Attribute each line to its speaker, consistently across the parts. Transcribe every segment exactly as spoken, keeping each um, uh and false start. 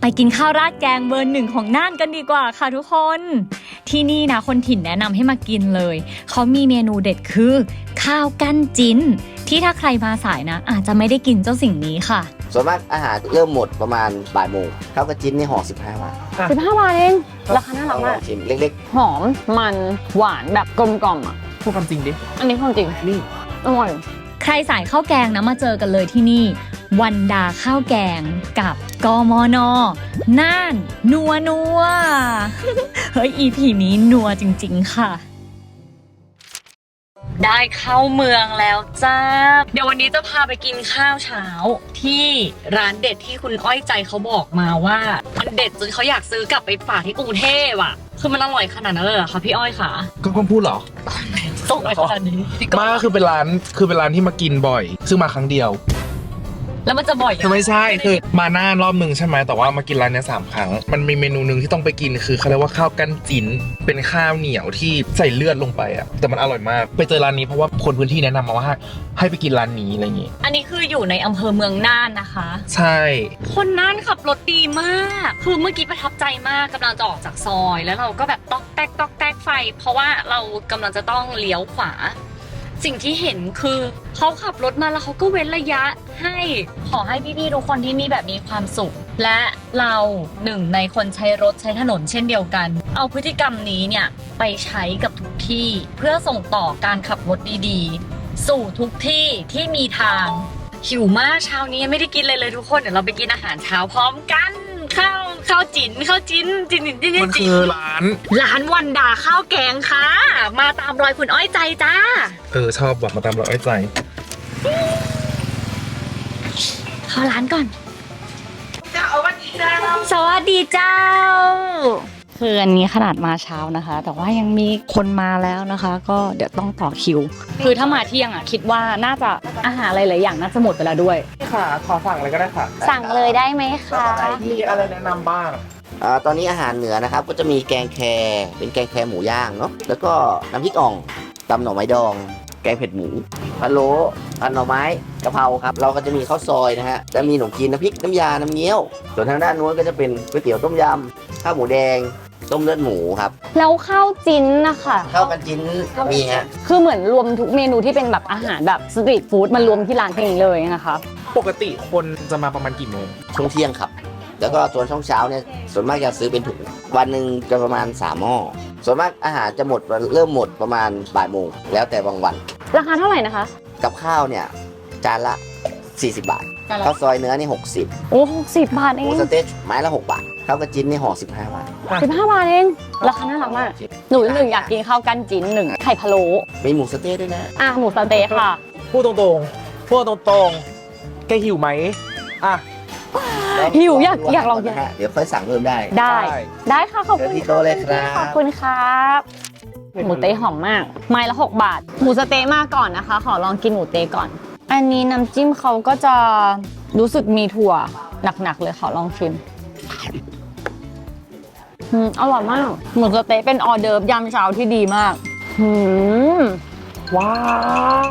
Speaker 1: ไปกินข้าวราดแกงเบอร์หนึ่งของน่านกันดีกว่าค่ะทุกคนที่นี่นะคนถิ่นแนะนำให้มากินเลยเขามีเมนูเด็ดคือข้าวกั้นจิ้นที่ถ้าใครมาสายนะอาจจะไม่ได้กินเจ้าสิ่งนี้ค่ะ
Speaker 2: ส่วนมากอาหารเริ่มหมดประมาณบ่ายโมงข้าวกระจิ้นนี่ห่อสิบห้าบาท
Speaker 3: สิบห้าบาทเองราคาน่ารักมาก
Speaker 2: ชิมเล็ก
Speaker 3: ๆหอมมันหวานแบบกลมกล่อมอ่ะ
Speaker 4: พูดความจริงดิ
Speaker 3: อันนี้ความจริง
Speaker 4: นี่
Speaker 3: อร่อย
Speaker 1: ใครสายข้าวแกงนะมาเจอกันเลยที่นี่วันดาข้าวแกงกับกมน.น่านนัวนัว เฮ้ย อี พี นี้นัวจริงๆค่ะได้เข้าเมืองแล้วจ้าเดี๋ยววันนี้จะพาไปกินข้าวเช้าที่ร้านเด็ดที่คุณอ้อยใจเขาบอกมาว่ามันเด็ดจนเขาอยากซื้อกลับไปฝากที่กรุงเทพอ่ะคือมันอร่อยขนาดนั้นเลยเหรอคะพี่อ้อยคะ
Speaker 4: ก็ควรพูดเหรอ
Speaker 1: ส่งไปขนาดนี้
Speaker 4: มาคือเป็นร้านคือเป็นร้านที่มากินบ่อยซึ่งมาครั้งเดียว
Speaker 1: แล้วมันจะบ่อย
Speaker 4: คือไม่ใช่คือมาหน้ารอบหนึ่งใช่ไหมแต่ว่ามากินร้านนี้สามครั้งมันมีเมนูหนึ่งที่ต้องไปกินคือเขาเรียกว่าข้าวกั้นจิ้นเป็นข้าวเหนียวที่ใส่เลือดลงไปอ่ะแต่มันอร่อยมากไปเจอร้านนี้เพราะว่าคนพื้นที่แนะนำมาว่าให้ไปกินร้านนี้อะไรอย่างงี้
Speaker 1: อันนี้คืออยู่ในอำเภอเมืองน่านนะคะ
Speaker 4: ใช่
Speaker 1: คนน่านขับรถดีมากคือเมื่อกี้ประทับใจมากกำลังจะออกจากซอยแล้วเราก็แบบต๊อกแต๊กต๊อกแต๊กไฟเพราะว่าเรากำลังจะต้องเลี้ยวขวาสิ่งที่เห็นคือเขาขับรถมาแล้วเขาก็เว้นระยะให้ขอให้พี่ๆทุกคนที่นี่แบบมีความสุขและเราหนึ่งในคนใช้รถใช้ถนนเช่นเดียวกันเอาพฤติกรรมนี้เนี่ยไปใช้กับทุกที่เพื่อส่งต่อการขับรถดีๆสู่ทุกที่ที่มีทางหิวมากเช้านี้ยังไม่ได้กินเลยเลยทุกคนเดี๋ยวเราไปกินอาหารเช้าพร้อมกันข้าวข้าวจิ๋นข้าวจิ้นจิ๋นจิ๋นจิ๋น
Speaker 4: มันคือร้าน
Speaker 1: ร้านวันดาข้าวแกงค่ะมาตามรอยคุณอ้อยใจจ้า
Speaker 4: เออชอบแบบมาตามรอยอ้อยใจ
Speaker 1: เข้าร้านก่อนสวัสดีเจ้าสวัสดีเจ้าคืออันนี้ขนาดมาเช้านะคะแต่ว่ายังมีคนมาแล้วนะคะก็เดี๋ยวต้องต่อคิวคือถ้ามาเที่ยงอ่ะคิดว่าน่าจะอาหารหลายๆอย่างน่าจะหมดไปแล้วด้วย
Speaker 4: ค่ะขอสั่งอะไรก็ได้ค่ะ
Speaker 3: สั่งเลยได้ไหมคะ
Speaker 4: มีอะไรแนะนำบ้าง
Speaker 2: อ่าตอนนี้อาหารเหนือนะครับก็จะมีแกงแคเป็นแกงแคหมูย่างเนาะแล้วก็น้ำพริกอ่องตำหน่อไม้ดองแกงเผ็ดหมูพะโล้ผัดหน่อไม้กะเพราครับเราก็จะมีข้าวซอยนะฮะจะมีขนมจีนน้ำพริกน้ำยาน้ำเงี้ยวส่วนทางด้านนู้นก็จะเป็นก๋วยเตี๋ยวต้มยำข้าวหมูแดงต้มเลือดหมูครับ
Speaker 3: แล้วข้าวจิ้นนะคะ
Speaker 2: ข้าวกันจิ้นมีฮะ
Speaker 3: คือเหมือนรวมทุกเมนูที่เป็นแบบอาหารแบบสตรีทฟู้ดมันรวมที่ร้านเพียงนี้เลยนะคะ
Speaker 4: ปกติคนจะมาประมาณกี่โมง
Speaker 2: ช่วงเที่ยงครับแล้วก็ส่วนช่วงเช้าเนี่ยส่วนมากจะซื้อเป็นถุงวันหนึ่งจะประมาณสามหม้อส่วนมากอาหารจะหมดเริ่มหมดประมาณบ่ายโมงแล้วแต่บางวัน
Speaker 3: ราคาเท่าไหร่นะคะ
Speaker 2: กับข้าวเนี่ยจานละสี่สิบบาทข้าวซอยเนื้อนี่หกสิบ
Speaker 3: โอ้หกสิบบาทเอง
Speaker 2: หมูสเต็กไม้ละหกบาทข้าวกระจิ้นนี่ห่อสิบห้าบาท
Speaker 3: สิบห้าบาทเองราคาน่ารักมากหนูหนึ่งอยากกินข้าวกั้นจิ้นหนึ่งไข่พะโล้
Speaker 2: มีหมูสเต็กด้วยนะ
Speaker 3: อ่ะหมูสเต็กค่ะ
Speaker 4: พูดตรงๆพูดตรงๆแกหิวไหมอ่ะ
Speaker 3: หิวอยากอยากลองกิน
Speaker 2: เดี๋ยวค่อยสั่งเพิ่มได้
Speaker 3: ได้ได้ค่ะขอบคุณ
Speaker 2: ที่โต๊ะเลยครับ
Speaker 3: ขอบคุณครับหมูเต๊ะหอมมากไม้ละหกบาทหมูสเต๊ะมาก่อนนะคะขอลองกินหมูเต๊ะก่อนอันนี้น้ำจิ้มเขาก็จะรู้สึกมีถั่วหนักๆเลยขอลองชิมอืมอร่อยมากหมูสเต๊ะเป็นออเดิร์ฟยามเช้าที่ดีมากอืม
Speaker 4: ว้าว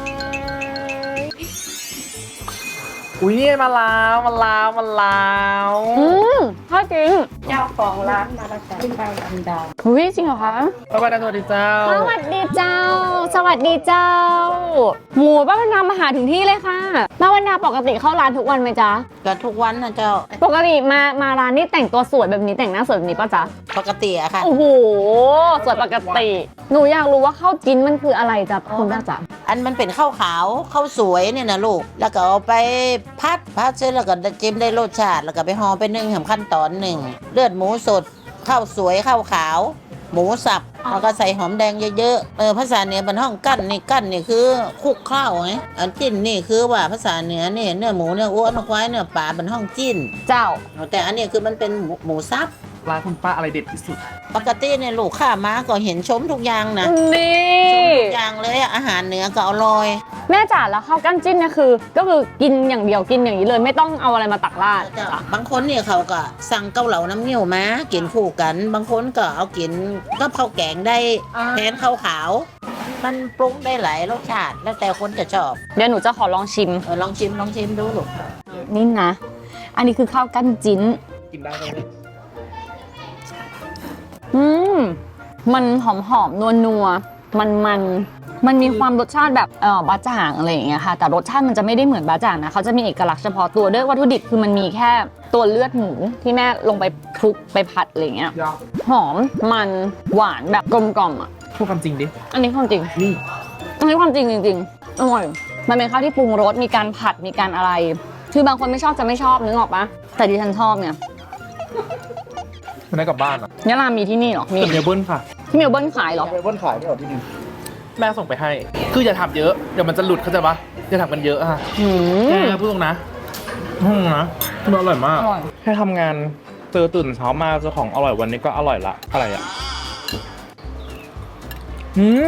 Speaker 4: อุ้ยมาแล้วมาแล้วมาแล้ว
Speaker 3: อืมถ้าจริง
Speaker 5: เจ้าของร้านมาแล้วจ้ะที่ร้านอันดา
Speaker 3: อุ้ยจริงเหรอคะ
Speaker 4: สวัสดีเจ้า
Speaker 3: สวัสดีเจ้าสวัสดีเจ้าหมูป้าวันนามาหาถึงที่เลยค่ะป้าวันนาปกติเข้าร้านทุกวันไหมจ๊ะ
Speaker 5: ก็ทุกวันนะเจ้า
Speaker 3: ปกติมามาร้านนี่แต่งตัวสวยแบบนี้แต่งหน้าสวยแบบนี้ป่ะจ๊ะ
Speaker 5: ปกติอะค่ะ
Speaker 3: โอ้โหสวยปกติหนูอยากรู้ว่าข้าวจิ้นมันคืออะไรจ๊ะคุณป้าจ๊ะ
Speaker 5: อันมันเป็นข้าวขาวข้าวสวยเนี่ยนะลูกแล้วก็เอาไปพัดพัดเสร็จแล้วก็จิ้มได้รสชาติแล้วก็ไปห่อไปนึ่งทำขั้นตอนหนึ่งเลือดหมูสดข้าวสวยข้าวขาวหมูสับแล้วก็ใส่หอมแดงเยอะๆเออภาษาเหนือเป็นห้องกั้นนี่กั้นนี่คือคุกข้าวไงอันจิ้นนี่คือว่าภาษาเหนือเนี่ยเนื้อหมูเนื้อวัวเนื้อควายเนื้อปลาเป็นห้องจิ้น
Speaker 3: เจ้า
Speaker 5: แต่อันนี้คือมันเป็นหมูสับ
Speaker 4: ร้านคุณป้าอะไรเด็ดที่สุด
Speaker 5: ปกติเนี่ยลูกค้ามาก็เห็นชมทุกอย่างนะ
Speaker 3: นี่
Speaker 5: ชมทุกอย่างเลยอาหารเหนือก็อร่อย
Speaker 3: แม่จ๋าแล้วข้าวกั้นจิ้นเนี่ยคือก็คือกินอย่างเดียวกินอย่างนี้เลยไม่ต้องเอาอะไรมาตักราด
Speaker 5: บางคนเนี่ยเขาก็สั่งเกาเหลาน้ำเงี้ยวมากินคู่กันบางคนก็เอากินก็ข้าวแกงได้แทนข้าวขาวมันปรุงได้หลายรสชาติแล้วแต่คนจะชอบ
Speaker 3: เดี๋ยวหนูจะขอลองชิม
Speaker 5: เออลองชิมลองชิมดูลูก
Speaker 3: นี่นะอันนี้คือข้าวกั้นจิ้น
Speaker 4: กินได้เลย
Speaker 3: อืมมันหอมหอมนัวนัวมันมันมันมีความรสชาติแบบเออบะจ่างอะไรอย่างเงี้ยค่ะแต่รสชาติมันจะไม่ได้เหมือนบะจ่างนะเขาจะมีเอกลักษณ์เฉพาะตัวด้วยวัตถุดิบคือมันมีแค่ตัวเลือดหมูที่แม่ลงไปคลุกไปผัดอะไรอย่างเงี้ยหอมมันหวานแบบกลมกล่อมอ่ะ
Speaker 4: พูดความจริงดิ
Speaker 3: อันนี้ความจริง
Speaker 4: นี่
Speaker 3: อันนี้ความจริงจริงๆอร่อยมันเป็นข้าวที่ปรุงรสมีการผัดมีการอะไร คือบางคนไม่ชอบจะไม่ชอบนึกออกปะแต่ดิฉันชอบเนี่ย
Speaker 4: มันได้กลับบ้านอ่ะ
Speaker 3: ยะลามีที่นี่เหรอมี
Speaker 4: แต่เมลเบิร์นค่ะ
Speaker 3: ที่เมลเบิร์นขายเหรอ
Speaker 2: ไปบนขายไม่ออกที่นี่
Speaker 4: แม่ส่งไปให้ คืออย่าทำเยอะ เดี๋ยวมันจะหลุดเข้าใจปะอย่าทำกันเยอะอะ
Speaker 3: อืม
Speaker 4: แกพูดตรงนะอืมนะมันอร่อยมาก
Speaker 3: อร่อย
Speaker 4: แค่ทำงานเจอตื่นเช้ามาเจอของอร่อยวันนี้ก็อร่อยละ อะไรอ่ะอืม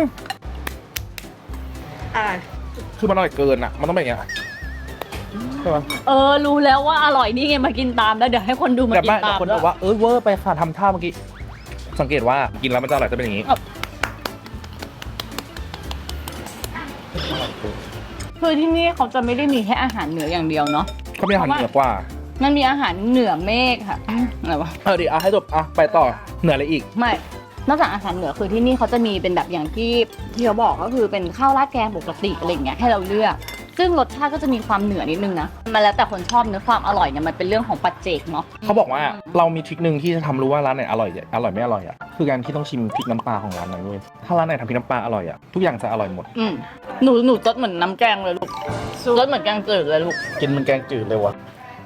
Speaker 3: อะไร
Speaker 4: คือมันอร่อยเกินอ่ะ มันต้องเป็นอย่างเงี้ยใช่ปะ
Speaker 3: เออรู้แล้วว่าอร่อยนี่ไงมากินตามแล้วเดี๋ยวให้คนดูมา
Speaker 4: แต่
Speaker 3: กิน
Speaker 4: ไม่แต่
Speaker 3: ตาม
Speaker 4: คนบอกว่าเออเวอร์ไปค่ะทำท่าเมื่อกี้ สังเกตว่ากินแล้วมันจะอร่อยจะเป็นอย่างนี้
Speaker 3: คือที่นี่เขาจะไม่ได้มีแค่อาหารเหนืออย่างเดียวเนาะ
Speaker 4: เขามีอาหารเหนือกว่า
Speaker 3: มันมีอาหารเหนือเมฆค่ะอะไรวะ
Speaker 4: เออดิอ่ะให้จบอ่ะไปต่อเหนืออะไรอีก
Speaker 3: ไม่นอกจากอาหารเหนือคือที่นี่เขาจะมีเป็นแบบอย่างที่ที่เขาบอกก็คือเป็นข้าวราดแกงปกติอะไรอย่างเงี้ยให้เราเลือก ซึ่งรสชาติก็จะมีความเหนือนิดนึงนะมันแล้วแต่คนชอบเนื้อความอร่อยเนี่ยมันเป็นเรื่องของปัจเจกเนาะ
Speaker 4: เขาบอกว่าเรามีทริคหนึ่งที่จะทำรู้ว่าร้านไหนอร่อยอร่อยไม่อร่อยอ่ะคือการที่ต้องชิมพริกน้ำปลาของร้านนั้นเว้ยถ้าร้านไหนทำพริกน้ำปลาอร่อยอ่ะทุกอย่างจะอร่อยหมด
Speaker 3: อืมหนูหนูรสเหมือนน้ำแกงเลยลูกรสเหมือนแกงจืดเลยลูก
Speaker 2: กินมันแกงจืดเลยวะ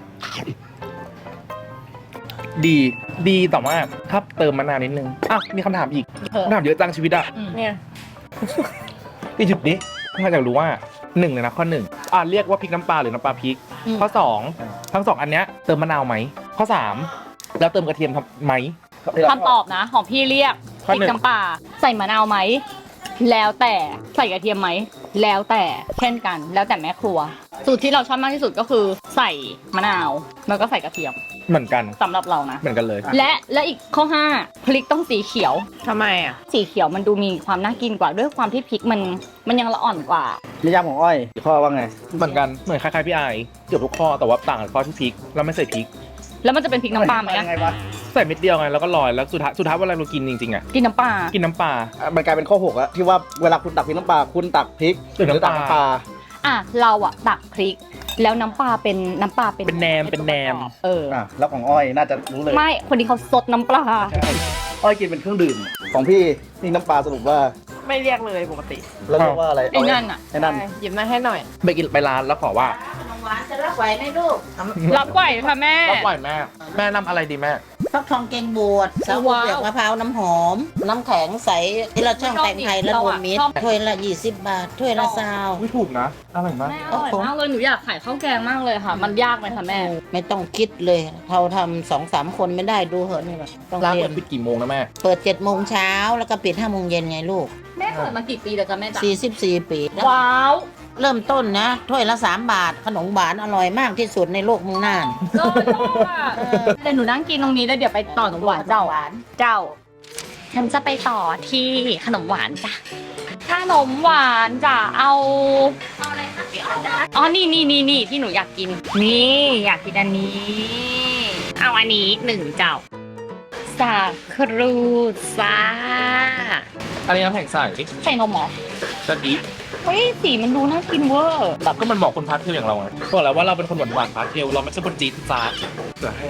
Speaker 4: ดีดีแต่ว่าถ้าเติมมะนาวนิดนึงอ่ะมีคำถามอีก
Speaker 3: เออ
Speaker 4: คำถามเยอะจังชีวิตอ่ะ
Speaker 3: เนี่ย
Speaker 4: พี่จุดนี้ถ้าอยากรู้ว่าหนึ่งเลยนะข้อหนึ่งอ่ะเรียกว่าพริกน้ำปลาหรือน้ำปลาพริก ข้อสองทั้งสองอันเนี้ยเติมมะนาวไหมข้อสามแล้วเติมกระเทียมทำไหม
Speaker 3: คำตอบนะของพี่เรียกพ
Speaker 4: ข้อ
Speaker 3: ริก
Speaker 4: หนึ่ง
Speaker 3: น้ำปลาใส่มะนาวไหมแล้วแต่ใส่กระเทียมไหมแล้วแต่เช่นกัน แล้วแต่แม่ครัว สูตรที่เราชอบมากที่สุดก็คือใส่มะนาวแล้วก็ใส่กระเทียม
Speaker 4: เหมือนกัน
Speaker 3: สำหรับเรานะ
Speaker 4: เหมือนกันเลย
Speaker 3: และและอีกข้อห้าพริกต้องสีเขียว
Speaker 6: ทำไมอ่ะ
Speaker 3: สีเขียวมันดูมีความน่ากินกว่าด้วยความที่พริกมันมันยังละอ่อนกว่า
Speaker 2: นิยามของอ้อยข้อว่าไง
Speaker 4: เหมือนกันเหมือนคล้ายๆพี่ไอเกือบทุกข้อแต่ว่าต่างกันข้อที่พริกเราไม่ใส่พริก
Speaker 3: แล้วมันจะเป็นพริกน้ำปลาไหมอะ
Speaker 2: ยังไงวะ
Speaker 4: ใส่เม็ดเดียวไงแล้วก็ลอยแล้วสุดท้ายสุดท้ายเวลาเรากินจริงๆอ่ะ
Speaker 3: กินน้ำปลา
Speaker 4: กินน้ำปลา
Speaker 2: อ่ะมันกลายเป็นข้อหกอะที่ว่าเวลาคุณตักพริกน้ำปลาคุณตักพริก
Speaker 4: หรือน้ำปลา
Speaker 2: ตักน้ำปลา
Speaker 3: อ่ะเราอะตักพริก แล้วน้ำปลาเป็นน้ำปลาเป็น
Speaker 4: เป็นแหนมเป็นแหนม
Speaker 3: เออ
Speaker 2: อ่ะแล้วของอ้อยน่าจะรู้เลย
Speaker 3: ไม่คนนี้เขาซดน้ำปลา
Speaker 2: ใช่อ้อยกินเป็นเครื่องดื่มของพี่นี่น้ำปลาสรุปว่า
Speaker 6: ไม่เรียกเลยปกติ
Speaker 2: แล้วเรียกว่าอะไร
Speaker 3: ไอ้นั่นอะ
Speaker 2: ไอ้นั่น
Speaker 6: ใช่หยิบมาให้หน่อย
Speaker 4: ไปกินไปร้านแล้วขอว่า
Speaker 5: ขนมหวานจะรับไหวไหมลูก
Speaker 3: รับไหวค่ะแม่
Speaker 4: รับไหวแม่แม่นำอะไรดีแม่
Speaker 5: ฟักทองแกงบวชสาว
Speaker 3: ว้าว
Speaker 5: เปลือกมะพร้าวน้ำหอม น้ำแข็งใสที่เราช่องแต่งไทยและรวมมิตร
Speaker 3: ชอบ
Speaker 5: ถ้วยละยี่สิบบาทถ้วยละซาว
Speaker 4: ไม่ถูกนะอร่อยมาก
Speaker 3: แม่อร่อยมากเลยหนูอยากขายข้าวแกงมากเลยค่ะ มันยากไหมคะแม่
Speaker 5: ไม่ต้องคิดเลย เราทำสองสามคนไม่ได้ดูเหอะนี่แหละต้อง
Speaker 4: ร้าน
Speaker 5: เรีย
Speaker 4: เปิ
Speaker 5: น
Speaker 4: ดปิดกี่โมงนะแม่
Speaker 5: เปิดเจ็ดโมงเช้าแล้วก็ปิดห้าโมงเย็นไงลูก
Speaker 3: แม่เปิดมากี่ปีแล้วจ๊ะแม่จ๊ะ
Speaker 5: สี่สิบสี่ปี
Speaker 3: ว้าว
Speaker 5: เริ่มต้นนะ ถ้วยละสามบาท ขนมหวานอร่อยมากที่สุดในโลกเมึงน่าน
Speaker 3: โลโลอ่ะเดี๋ยวหนูนั่งกินตรงนี้แล้วเดี๋ยวไปต่อขนมหวานเจ้า
Speaker 5: หวาน
Speaker 3: เจ้า ฉันจะไปต่อที่ขนมหวานจ้ะ ขนมหวานจะเอาเอาอะไรคะอ๋อ นี่นี่นี่นี่ที่หนูอยากกิน นี่อยากกินอันนี้ เอาอันนี้หนึ่งเจ้า สาครูซ่า
Speaker 4: อันนี้น้ำแข็งใส
Speaker 3: ใส่นมเหรอ
Speaker 4: จะดี
Speaker 3: เฮ้ยสีมันดูน่ากินเวอร์
Speaker 4: แบบก็มันเหมาะคนพาร์ทเทลอย่างเราไงบอกแล้วว่าเราเป็นคนหวานหวานๆพาร์ทเทลเราไม่ใช่คนจีดจ้าดเดี๋ยวให้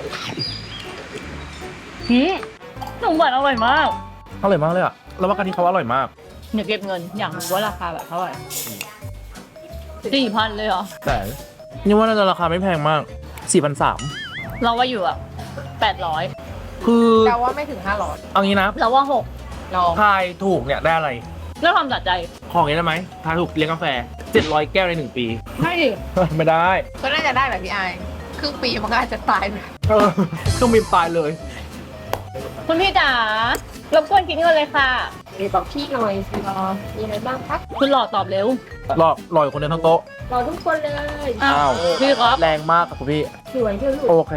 Speaker 3: หืมขนมหวานอร่อยมาก
Speaker 4: อร่อยมากเลยอ่ะแล้วว่ากันที่เขาอร่อยมาก
Speaker 3: เดี๋ยวเก็บเงินอยากรู้ว่าราคาแบบเท่าไหร่สี่พันเลยเหรอ
Speaker 4: แต่นี่ว่าน่าจะราคาไม่แพงมากสี่พันสาม
Speaker 3: เราว่าอยู่อ่ะแปดร้อย
Speaker 4: คือ
Speaker 6: แต่ว่าไม่ถึงห้าร้อย
Speaker 4: เอางี้นะ
Speaker 3: เราว่าหก
Speaker 6: ลอง
Speaker 4: ทายถูกเนี่ยได้อะไร
Speaker 3: เรื่องความสะใจ
Speaker 4: ของนี้ได้ไหมทายถูกเลี้ยงกาแฟเจ็ดร้อยแก้วในหนึ่งปี
Speaker 3: ไม่
Speaker 4: ไม่ได้
Speaker 6: ก็น่าจะได้แบบพี่ไอายครึ่งปีมันก็อาจจะตายไป
Speaker 4: เออต้องมีตายเลย
Speaker 3: คุณพี่จ๋ารบกวนคิดเงินเลยค่ะ
Speaker 6: มีบอกพี่หน่อยสิรอมีอะไรบ้างคะ
Speaker 3: คุณหลอดตอบเร็ว
Speaker 4: รอรออยู่คนเดียวทั้งโต๊ะ
Speaker 6: รอทุกคนเลย
Speaker 3: อ้าว
Speaker 4: อ้าว
Speaker 3: พี่ครับ
Speaker 4: แรงมากครับคุณพี่
Speaker 6: สวยที่สุด
Speaker 4: โอเค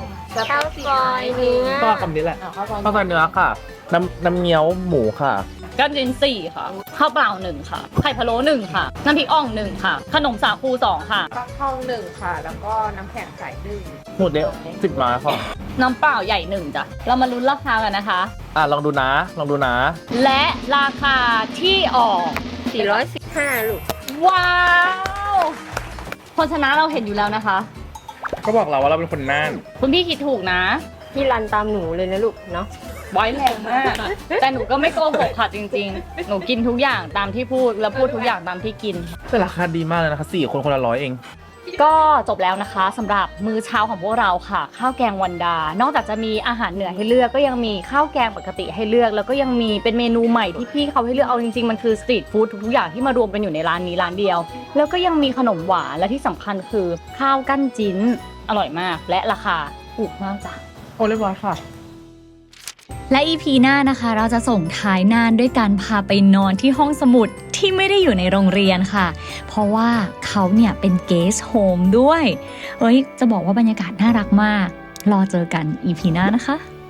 Speaker 6: ข้าวซอยเนื้อ
Speaker 4: ก็คำนี้แหละ
Speaker 6: ข้าวซอย
Speaker 4: ข้าวซอยเนื้อค่ะ น้ำน้ำเงี้ยวหมูค่ะ
Speaker 3: ก้านจินสี่ค่ะ ข้าวเปล่าหนึ่งค่ะ ไข่พะโล้หนึ่งค่ะ น้ำพริกอ่องหนึ่งค่ะ ขนมสาคูสองค่ะ
Speaker 6: ฟักทองหนึ่งค่ะ แล้วก็น้ำแข็งใสหนึ่ง
Speaker 4: หมูเด้งสิบไม้ค่ะ
Speaker 3: น้ำเปล่าใหญ่หนึ่งจ้ะ เรามาลุ้นราคากันนะคะ
Speaker 4: อ่ะลองดูนะ ลองดูนะ
Speaker 3: และราคาที่ออก
Speaker 6: สี่ร้อยสิบห้าลูก
Speaker 3: ว้าวคนชนะเราเห็นอยู่แล้วนะคะ
Speaker 4: ก็บอกเราว่าเราเป็นคนน่าน
Speaker 3: คุณพี่คิดถูกนะ
Speaker 6: พี่รันตามหนูเลยนะลูกเนาะ
Speaker 3: ไว้แรงมาก แต่หนูก็ไม่โกหกค่ะจริงๆ หนูกินทุกอย่างตามที่พูดแล้วพูดทุกอย่างตามที่กิน
Speaker 4: แต่ราคาดีมากเลยนะคะสี่คนคนละร้อยเอง
Speaker 3: ก็จบแล้วนะคะสำหรับมื้อเช้าของพวกเราค่ะ ข้าวแกงวันดา นอกจากจะมีอาหารเหนือให้เลือกก็ยังมีข้าวแกงปกติให้เลือก แล้วก็ยังมีเป็นเมนูใหม่ที่พี่เขาให้เลือกเอาจริงๆมันคือสตรีทฟู้ดทุกๆอย่างที่มารวมกันอยู่ในร้านนี้ร้านเดียว แล้วก็ยังมีขนมหวานและที่สำคัญคือข้าวกั้นจิ้นอร่อยมาก และราคาถูกมากจ้ะ
Speaker 4: โอ้เรียบร้อยค่ะ
Speaker 7: และ อี พี หน้านะคะเราจะส่งท้ายน่านด้วยการพาไปนอนที่ห้องสมุดที่ไม่ได้อยู่ในโรงเรียนค่ะ เพราะว่าเขาเนี่ยเป็นเกสต์โฮมด้วยเอ้ยจะบอกว่าบรรยากาศน่ารักมาก รอเจอกัน อี พี หน้านะคะ